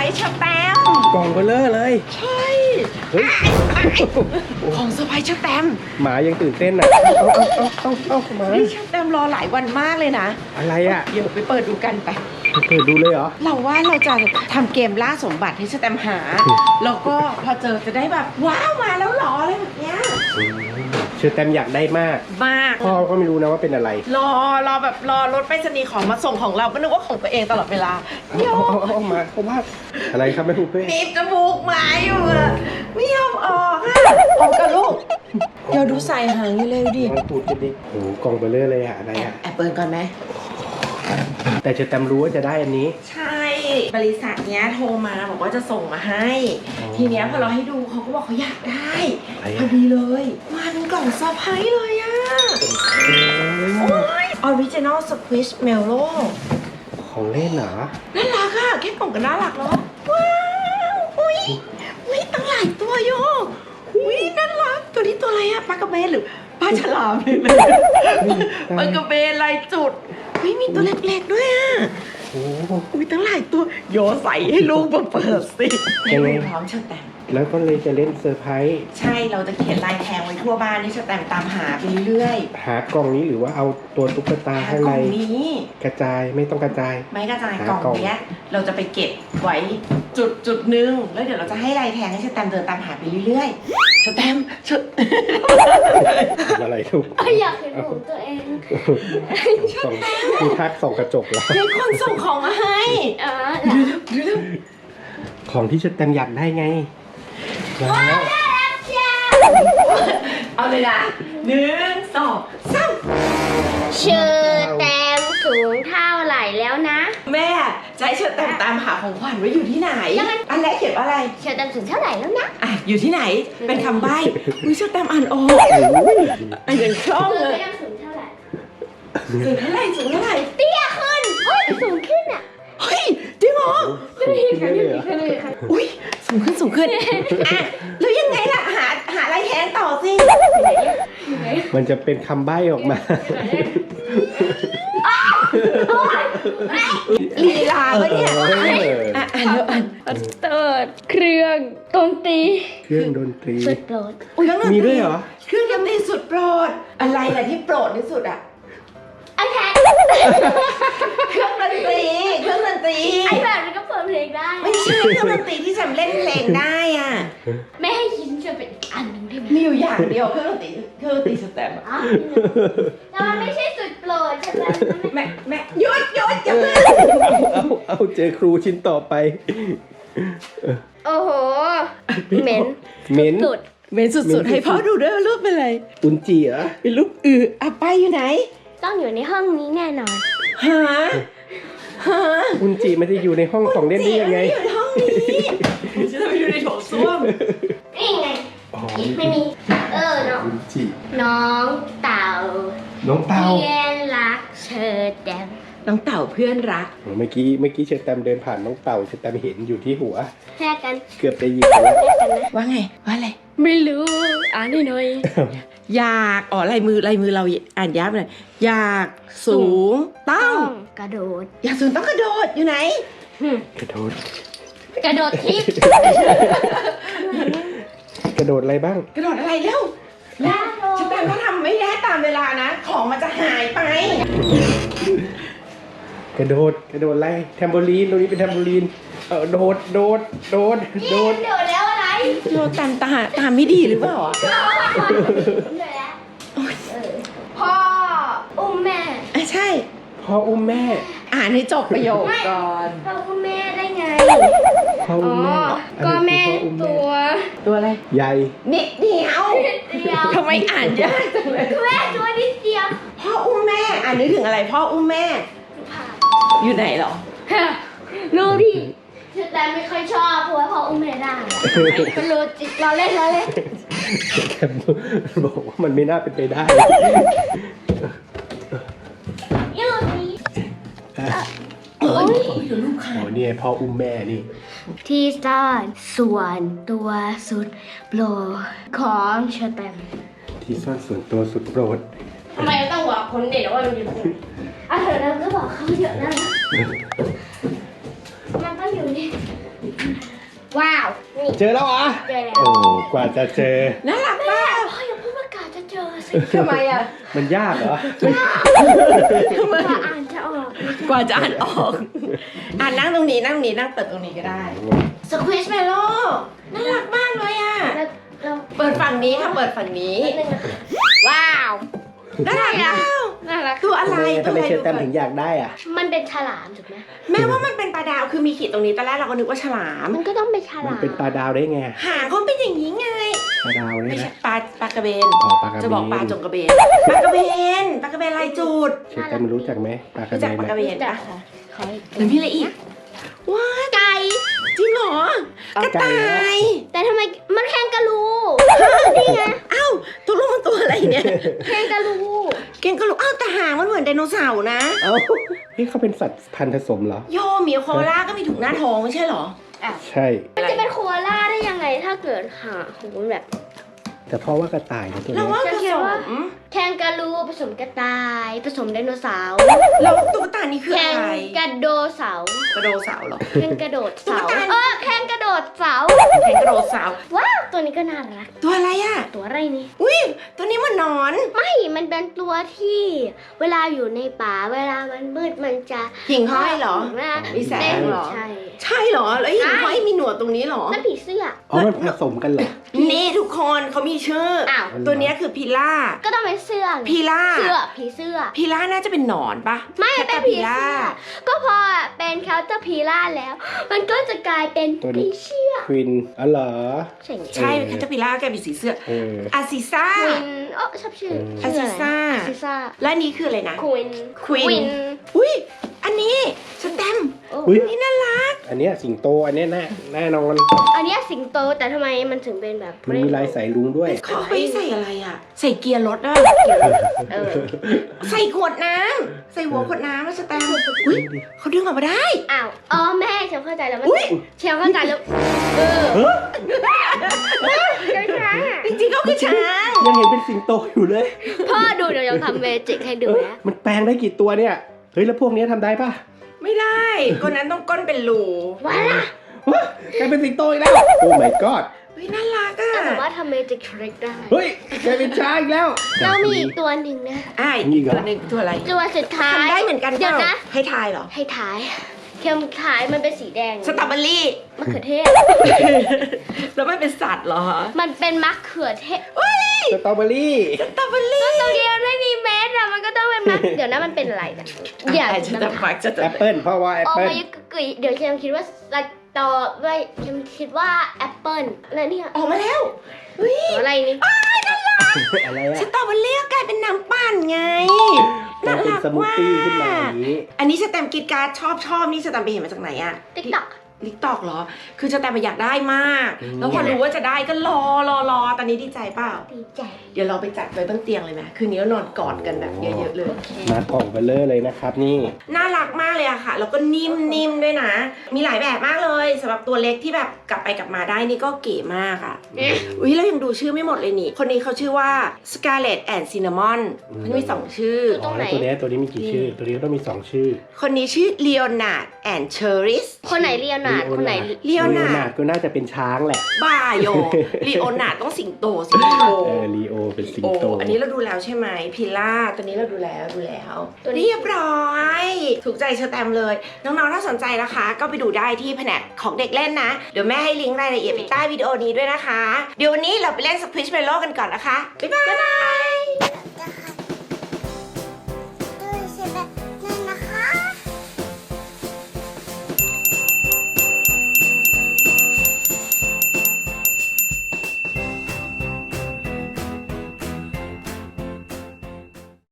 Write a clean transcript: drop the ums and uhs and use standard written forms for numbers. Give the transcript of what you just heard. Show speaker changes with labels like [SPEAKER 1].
[SPEAKER 1] เชอแตม
[SPEAKER 2] กล่องเบลเลอร์เลย
[SPEAKER 1] ใช่
[SPEAKER 2] เฮ้ย
[SPEAKER 1] ของเซอร์ไพรส์เชอแตม
[SPEAKER 2] หมายังตื่นเต้นอ่ะเอาหมา
[SPEAKER 1] นี่เชอแตมรอหลายวันมากเลยนะ
[SPEAKER 2] อะไรอ่ะ
[SPEAKER 1] เดี๋ยวไปเปิดดูกันไป
[SPEAKER 2] เปิดดูเลยเหรอ
[SPEAKER 1] เราว่าเราจะทำเกมล่าสมบัติให้เชอแตมหาแล้วก็พอเจอจะได้แบบว้าวมาแล้วหรออะไรแบบเนี้ย
[SPEAKER 2] เชอแตมอยากได้มากพ่อก็ไม่รู้นะว่าเป็นอะไร
[SPEAKER 1] รอแบบรอรถไปรษณีย์ของมาส่งของเราก็นึกว่าของตัวเองตลอดเวลา
[SPEAKER 2] เอามาเพราะว่าอะไรครับแม่ปุ๊เป้
[SPEAKER 1] บีบจมูกหมาอยู่อะไม่ยอมออกอะออกกับลูกเดี๋ยวดูใส่หางเร็วดิ
[SPEAKER 2] ลองพูดกันดิโอ้กล่องเบลเลอร์เลยอะอะไรอะ
[SPEAKER 1] แอบเปิดก่อนไหม
[SPEAKER 2] แต่เชอแตมรู้ว่าจะได้อันนี้
[SPEAKER 1] ใช่บริษัทเนี้ยโทรมาบอกว่าจะส่งมาให้ทีเนี้ยพอเราให้ดูเขาก็บอกเขาอยากได้พอดีเลยมาเป็นกล่องเซอร์ไพรส์เลยอะโอ้ยออริจินอลสควิชเมลโล่
[SPEAKER 2] ของเล่นเหรอ
[SPEAKER 1] น่ารักอะแค่กล่องก็น่ารักแล้วว้าวอุ้ยตั้งหลายตัวโยอุ้ยน่ารักตัวนี้ตัวอะไรอะปลากระเบนหรือปลาฉลามเลยปลากระเบนลายจุดมีตัวเล็กๆด้วยอ่ะอุ้ยตั้งหลายตัวโยใส่ให้ลูกมาเปิดสิยังไงพร้อมเชอแตม
[SPEAKER 2] แล้วก็เลยจะเล่นเซอร์ไพรส์
[SPEAKER 1] ใช่เราจะเขียนลายแทงไว้ทั่วบ้านนี่เชอแตมตามหาไปเรื่อย
[SPEAKER 2] หากล่องนี้หรือว่าเอาตัวตุ๊กตาข้างใน
[SPEAKER 1] นี้
[SPEAKER 2] กระจายไม่ต้องกระจาย
[SPEAKER 1] ไม่กระจายกล่องเนี้ยเราจะไปเก็บไว้จุดนึงแล้วเดี๋ยวเราจะให้ลายแทงให้เชอแตมเดินตามหาไปเรื่อยๆเชอแตม
[SPEAKER 2] อะไรทุก
[SPEAKER 3] อยากเห็นผมตัวเอง
[SPEAKER 2] มีทักส่องกระจกเหรอ
[SPEAKER 1] มีคนส่งของมาให้
[SPEAKER 2] ของที่เชอแตมอยากได้ไง
[SPEAKER 3] แล้ว
[SPEAKER 1] เอาเลยนะ1 2 3
[SPEAKER 3] เชอแตมสูงเท่าไหร่แล้วนะ
[SPEAKER 1] แม่จะให้เชอแตมตามหาของขวัญว่าอยู่ที่ไหนอันแรกเขียนว่าอะไร
[SPEAKER 3] เชอแตมสูงเท่าไหร่แล้วนะ
[SPEAKER 1] อยู่ที่ไหนเป็นคำใบ้อุ้ยเชอแตมอ่านออกอย่างคล่องเลย
[SPEAKER 3] สูงเท่าไหร่
[SPEAKER 1] สูงเท่าไหร่
[SPEAKER 3] เตี้ยขึ้นเฮ้ยสูงขึ้นอ่ะ
[SPEAKER 1] เฮ้ยจริงเหรออุ้ยสูงขึ้นแล้วยังไงล่ะหาอะไรแทนต่อสิ
[SPEAKER 2] มันจะเป็นคำใบ้ออกมา
[SPEAKER 1] ลีลาปะเนี่ย
[SPEAKER 3] เติร์ดเครื่องดนตรีสุดโปรด
[SPEAKER 2] มีด้วยเหรอ
[SPEAKER 1] เครื่องดนตรีสุดโปรดอะไรล่ะที่โปรดที่สุดอ่ะ
[SPEAKER 3] ไอแพด
[SPEAKER 1] เครื่องดนตรี
[SPEAKER 3] ไอแพดมันก็เปิดเพลงได้
[SPEAKER 1] ไม่ใช่เครื่องดนตรีที่จำเล่นเพลงได้อ่ะ
[SPEAKER 3] ไม่ให้คิดจะเป็นอันนึงได้ไหม
[SPEAKER 1] มีอยู่อย่างเดียวเครื่องดนตรีสแตมป์
[SPEAKER 3] แต่มันไม่ใช่สุดโปรดใช่ไหม
[SPEAKER 1] แม่หยุดอย่าเพิ่ง
[SPEAKER 2] เอาเจอครูชิ้นต่อไป
[SPEAKER 3] โอ้โหเหม็น
[SPEAKER 1] สุดให้พ่อดูด้วยว่ารูปเป็นอะไร
[SPEAKER 2] อุนจีเหรอ
[SPEAKER 1] เป็นรูปไปอยู่ไหน
[SPEAKER 3] ต้องอยู่ในห้องนี้แน่นอน
[SPEAKER 1] ฮะ
[SPEAKER 2] อุนจีไม่ได้อยู่ในห้องของเล่นได้ยังไง
[SPEAKER 1] อยู่ในห้องนี้จะไปอยู่ในโถส้วม
[SPEAKER 3] นี่ไงไม่มีน้อง
[SPEAKER 2] อุนจี
[SPEAKER 3] น้องเต่าเพื่อนรักเชอแตม
[SPEAKER 1] น้องเต่าเพื่อนรัก
[SPEAKER 2] เมื่อกี้เชอแตมเดินผ่านน้องเต่าเชอแตมเห็นอยู่ที่หัว
[SPEAKER 3] แค่กัน
[SPEAKER 2] เกือบได้ยินแล้ว
[SPEAKER 1] ว่าไงว่าอะไร
[SPEAKER 3] ไม่รู้อ่านหน่อย
[SPEAKER 1] อยากลายมือเราอ่านยับเลยอยากสูงต้อง
[SPEAKER 3] กระโดด
[SPEAKER 1] อยากสูงต้องกระโดดอยู่ไหน
[SPEAKER 2] กระโดด
[SPEAKER 3] ทิพย์
[SPEAKER 2] กระโดดอะไรบ้าง
[SPEAKER 1] กระโดดอะไรเร็วฉันแต่ถ้าทำไม่ได้ตามเวลานะของมันจะหายไป
[SPEAKER 2] กระโดดอะไรแทมโบลีนตรงนี้เป็นแทมโบลีนโดด
[SPEAKER 3] แล้วอะไร
[SPEAKER 1] โดดตามไม่ดีหรือเปล่า
[SPEAKER 3] พ่ออุ้มแม่
[SPEAKER 1] ใช่
[SPEAKER 2] พ่ออุ้มแม่
[SPEAKER 1] อ่านให้จบประโยคก่อน
[SPEAKER 3] พ่ออุ้มแม่ได้ไง
[SPEAKER 2] พ่ออุ้มแม่
[SPEAKER 3] ก็แม่
[SPEAKER 1] ตัวอะไร
[SPEAKER 2] ใหญ่
[SPEAKER 1] นิดเดียวทำไมอ่านยากจังเลย
[SPEAKER 3] แม่ตัวนิดเดียว
[SPEAKER 1] พ่ออุ้มแม่อ่านนึกถึงอะไรพ่ออุ้มแม่อยู่ไหนหรอ
[SPEAKER 3] รู้ดิแต่ไม่ค่อยชอบเพราะว่าพ่ออุ้มแม่ได้มันรู้จิตเราเล่น
[SPEAKER 2] บอกว่ามันไม่น่าเป็นไปได้
[SPEAKER 3] ยืดนี้
[SPEAKER 1] ลูกค่ะ
[SPEAKER 2] นี่พ่ออุ้มแม่นี่
[SPEAKER 3] ที่ซ่อนส่วนตัวสุดโปรดของเชอแตม
[SPEAKER 2] ที่ซ่อนส่วนตัวสุดโปรด
[SPEAKER 3] ทำไมต้องบอกคนเด็กว่ามันอยู่ไหนเธอแล้วก็บอกเขาเยอะนะมันต้องอยู่นี่
[SPEAKER 2] เจอแล้วเหรอ
[SPEAKER 3] เจอแล้ว
[SPEAKER 2] โอ้กว่าจะเจอ
[SPEAKER 1] น่ารักมาก
[SPEAKER 3] พ่ออย่าพูดประกาศจะเจอสิ
[SPEAKER 1] ทำไมอ่ะ
[SPEAKER 2] มันยากเหรอ
[SPEAKER 3] ว่าอ่านจะออก
[SPEAKER 1] กว่าจะอ่านออกนั่งตรงนี้นั่งเปิดตรงนี้ก็ได้สควิชเมโลน่ารักมากเลยอ่ะ
[SPEAKER 3] แล้วเรา
[SPEAKER 1] เปิดฝั่งนี้ค่ะเปิดฝั่งนี้
[SPEAKER 3] นิดนึงนะคะว้าว
[SPEAKER 1] น่ารักอ่ะ
[SPEAKER 3] น่ารัก
[SPEAKER 1] ตัวอะไร
[SPEAKER 2] ทำไมเชอร์แตมถึงอยากได้อ่ะ
[SPEAKER 3] มันเป็นฉลามถูกไหม
[SPEAKER 1] แม้ว่ามันเป็นปลาดาวคือมีขีดตรงนี้ตอนแรกเราก็นึกว่าฉลาม
[SPEAKER 3] มันก็ต้องเป็นฉ
[SPEAKER 2] มัน
[SPEAKER 3] ลาม
[SPEAKER 2] เป็นปลาดาวได้ไง
[SPEAKER 1] หางเขาเป็นอย่างนี้ไง
[SPEAKER 2] ปลาดาวเนี่
[SPEAKER 1] ไม่
[SPEAKER 2] ย
[SPEAKER 1] ใช่
[SPEAKER 2] นะ
[SPEAKER 1] ปลากระเบน
[SPEAKER 2] อ๋อปลากระเบน
[SPEAKER 1] จะบอกปลาจงกระเบนปลากระเบนลายจุด
[SPEAKER 2] เชอร์แตมรู้จักไหมปลากระ
[SPEAKER 1] รู้
[SPEAKER 2] เบ
[SPEAKER 1] จัก
[SPEAKER 2] น
[SPEAKER 1] ปลากระ
[SPEAKER 2] ไหม
[SPEAKER 1] เบน
[SPEAKER 3] แต่
[SPEAKER 1] ปะ
[SPEAKER 3] ขอ
[SPEAKER 1] หรือมีอะไรอีกว้า
[SPEAKER 3] ไก่
[SPEAKER 1] จริงเหรอ กระต่าย
[SPEAKER 3] แต่ทำไมมันแคนกาลูนี่ไง
[SPEAKER 1] อ้าวตัวลูกมันตัวอะไรเนี่ย
[SPEAKER 3] แคนกาลู
[SPEAKER 1] เก่งก็รู้อ้าวแต่หางมันเหมือนไดโนเสาร์นะ
[SPEAKER 2] เอ้านี่เขาเป็นสัตว์พันธุ์ผสมเหรอ
[SPEAKER 1] โยหมีโคอาล่าก็มีถุงหน้าท้องไม่ใช่เหรอ
[SPEAKER 2] ใช่
[SPEAKER 3] มันจะเป็นโคอาล่าได้ยังไงถ้าเกิดหางของมันแบบ
[SPEAKER 2] แต่เพราะว่ากระต่ายนะตัว
[SPEAKER 1] เรา
[SPEAKER 2] นี้
[SPEAKER 1] ว่าผ
[SPEAKER 3] จะเขี
[SPEAKER 1] ส
[SPEAKER 3] ยนว่า
[SPEAKER 1] ม
[SPEAKER 3] แคนกาลูผสมกระต่ายผสมไดโนเสาร์
[SPEAKER 1] แล้วตุ๊กตานี่คือ
[SPEAKER 3] แค
[SPEAKER 1] อะ
[SPEAKER 3] น
[SPEAKER 1] ไร
[SPEAKER 3] กระโดเสาร์
[SPEAKER 1] กระโดดเสาร์เหรอ
[SPEAKER 3] แคนกระโดดเสา
[SPEAKER 1] ตุ๊กตา
[SPEAKER 3] แคนกระโดดเสา
[SPEAKER 1] แข่งกระโดดเสาร์
[SPEAKER 3] ว้าวตัวนี้ก็น่ารัก
[SPEAKER 1] ตัวอะไรอ่ะ
[SPEAKER 3] ตัวอะไรนี่
[SPEAKER 1] อุ้ยตัวนี้มันหนอน
[SPEAKER 3] ไม่มันเป็นตัวที่เวลาอยู่ในป่าเวลามันมืดมันจะ
[SPEAKER 1] หิ่งห้อยเหรอ
[SPEAKER 3] นะ
[SPEAKER 1] มีแสงเหรอ
[SPEAKER 3] ใช่
[SPEAKER 1] ใช่เหรอ แล้วหิ่งห้อยมีหนวดตรงนี้เหรอ
[SPEAKER 3] นั่นผีเสื้อ
[SPEAKER 2] อ๋อมันผสมกันเหรอ
[SPEAKER 1] นี่ทุกคนเขามีชื่อ
[SPEAKER 3] อ้าว
[SPEAKER 1] ตัวเนี้ยคือพิล่า
[SPEAKER 3] ก็ต้องเป็นเสื้อไง
[SPEAKER 1] พิล่า
[SPEAKER 3] เสื้อผีเสื้อ
[SPEAKER 1] พิล่าน่าจะเป็นหนอนปะ
[SPEAKER 3] ไม่เป็น
[SPEAKER 1] แคท
[SPEAKER 3] ผี
[SPEAKER 1] ตา
[SPEAKER 3] เสื้อ ก็พอเป็นแคลเตอร์พีล่าแล้ว มันก็จะกลายเป็น
[SPEAKER 2] ตัวนี้
[SPEAKER 3] ผีเสื้อ
[SPEAKER 2] ควินอ๋อเหรอ
[SPEAKER 3] ใช่ไหม
[SPEAKER 1] ใช่แคทพิล่าแกเป็นสีเสื้อ
[SPEAKER 2] เออ
[SPEAKER 1] อาซิซ่า
[SPEAKER 3] ควินชอบชื่อ
[SPEAKER 1] อา
[SPEAKER 3] ชื่
[SPEAKER 1] ซิ
[SPEAKER 3] ออะไร
[SPEAKER 1] ซ่า
[SPEAKER 3] อาซิซ่า
[SPEAKER 1] และอันนี้คืออะไรนะ
[SPEAKER 3] ควิน
[SPEAKER 1] Queen อุ้ยอันนี้สแตมป์
[SPEAKER 2] อุ๊ย
[SPEAKER 1] นี่น่ารัก
[SPEAKER 2] อันเนี้ยสิงโตอันเนี้ยแน่นอน
[SPEAKER 3] อันเนี้ยสิงโตแต่ทำไมมันถึงเป็นแบบ
[SPEAKER 2] มันมีลายสายลุงด้วย
[SPEAKER 1] เขาไปใส่อะไรอ่ะ ใส่เกียร์รถอ่ะ
[SPEAKER 3] เออ
[SPEAKER 1] ใส่ขวดน้ำใส่หัวขวดน้ำแล้วสแตมป์อุ้ยเขาดึงออกมาได้
[SPEAKER 3] อ้าวอ๋อแม่เชียวเข้าใจแล้วมัน
[SPEAKER 1] อุ๊ย
[SPEAKER 3] เชียวเข้าใจแล้วเออ
[SPEAKER 2] เฮ้ย
[SPEAKER 3] เจ้าช้างอะ
[SPEAKER 1] จริงๆเขาคือช้าง
[SPEAKER 2] ยังเห็นเป็นสิงโตอยู่เลย
[SPEAKER 3] พ่อดูเดี๋ยวยังทำเมจิกให้ดู
[SPEAKER 2] เอ้ย
[SPEAKER 3] นะ
[SPEAKER 2] มันแปลงได้กี่ตัวเนี่ย เฮ้ยแล้วพวกเนี้ยทำได้ป่ะ
[SPEAKER 1] ไม่ได้คนนั้นต้องก้นเป็นรู
[SPEAKER 3] ว้าล่ะ
[SPEAKER 2] วะกลายเป็นสิงโตอีกแล้ว โอ้ my god
[SPEAKER 1] เฮ้ยน่ารักอ่ะ
[SPEAKER 3] แต่สามารถทำเมจิกทริกได้
[SPEAKER 2] เฮ้ยกลายเป็นช้างอีกแล้ว
[SPEAKER 3] เรามีอีกตัวหนึ่งนะ
[SPEAKER 1] อ้าย
[SPEAKER 2] มีอีกเหรอ
[SPEAKER 1] ตัวหนึงตัวอะไร
[SPEAKER 3] ตัวสุดท้าย
[SPEAKER 1] ทำได้เหมือนกัน
[SPEAKER 3] เดี๋ยว
[SPEAKER 1] ปล่า
[SPEAKER 3] นะ
[SPEAKER 1] ให้ทายเหรอ
[SPEAKER 3] ให้ท้ายเข็มท้ายมันเป็นสีแดง
[SPEAKER 1] สตรอเบอรี่
[SPEAKER 3] มะเขือเทศ
[SPEAKER 1] แล้วมันเป็นสัตว์เหรอฮะ
[SPEAKER 3] มันเป็นมะเขือเทศ
[SPEAKER 2] สตรอเบอรี่
[SPEAKER 1] สตรอเบอรี่
[SPEAKER 3] ตรงเดียวไม่มีเม็ดอะมันก็ต้องเป็นมะ เดี๋ยวนะมันเป็นอะไรนะอย่า
[SPEAKER 1] จะตะฟักจะ
[SPEAKER 2] แอปเปิลเพราะว่าแอป
[SPEAKER 3] ออก
[SPEAKER 2] เปิล
[SPEAKER 3] มายุกกุยเดี๋ยวเชมคิดว่าสตอด้วยเชมคิดว่าแอปเปิลแล้วเนี่ย
[SPEAKER 1] ออกมาแล้วเฮ้ย
[SPEAKER 3] ตัวอะไรนี่
[SPEAKER 2] อะไร
[SPEAKER 1] ส
[SPEAKER 2] อะ
[SPEAKER 1] ตรอเบอรี่ก็กลายเป็นน้ำปั่นไง
[SPEAKER 2] กลายเป็นสมูทตี้ขึ้นมาอย่างนี้
[SPEAKER 1] อันนี้สแตมป์กิดการ์ดชอบนี่สแตมป์ไปเห็นมาจากไหนอะ
[SPEAKER 3] ติ๊กต็อก
[SPEAKER 1] ลิกตอกเหรอ คือสแตมป์อยากได้มาก แล้วพอรู้ว่าจะได้ก็รอตอนนี้ดีใจเปล่า
[SPEAKER 3] ดีใจ
[SPEAKER 1] เดี๋ยวเราไปจัดไว้บนเตียงเลยไหมคืนนี้เรานอนกอดกันแบบเยอะๆเลย
[SPEAKER 2] มากล่องเบลเลอร์เลยนะครับนี่
[SPEAKER 1] น่ารักมากเลยอะค่ะ แล้วก็นิ่มๆด้วยนะ มีหลายแบบมากเลยสำหรับตัวเล็กที่แบบกลับไปกลับมาได้นี่ก็เก๋มากอะอุ้ยเรายังดูชื่อไม่หมดเลยนี่ คนนี้เขาชื่อว่า Scarlet and Cinnamon เขามี2ชื่อ
[SPEAKER 2] อ๋อแล้วตัวนี้มีกี่ชื่อ ตัวนี้ก็ต้องมี2ชื่อ
[SPEAKER 1] คนนี้ชื่อ Leonard and Cheris
[SPEAKER 3] คนไหนเรียนหนาดคนไหน
[SPEAKER 1] เลียวนา
[SPEAKER 2] ดก็น่าจะเป็นช้างแหละ
[SPEAKER 1] บ้าโย ลีโอนาร์ดต้องสิงโต
[SPEAKER 2] ลีโอเป็นสิง
[SPEAKER 1] โอ้
[SPEAKER 2] โต
[SPEAKER 1] อันนี้เราดูแล้วใช่ไหมพิล่าตัวนี้เราดูแล้วตัวนี้เรียบร้อย ถูกใจเชอร์แตมเลย น้องๆถ้าสนใจนะคะ ก็ไปดูได้ที่แผนกของเด็กเล่นนะ เดี๋ยวแม่ให้ลิงก์รายละเอียดไปใต้วิดีโอนี้ด้วยนะคะ เดี๋ยววันนี้เราไปเล่นสควิชเมโลกันก่อนนะคะ บ๊ายบาย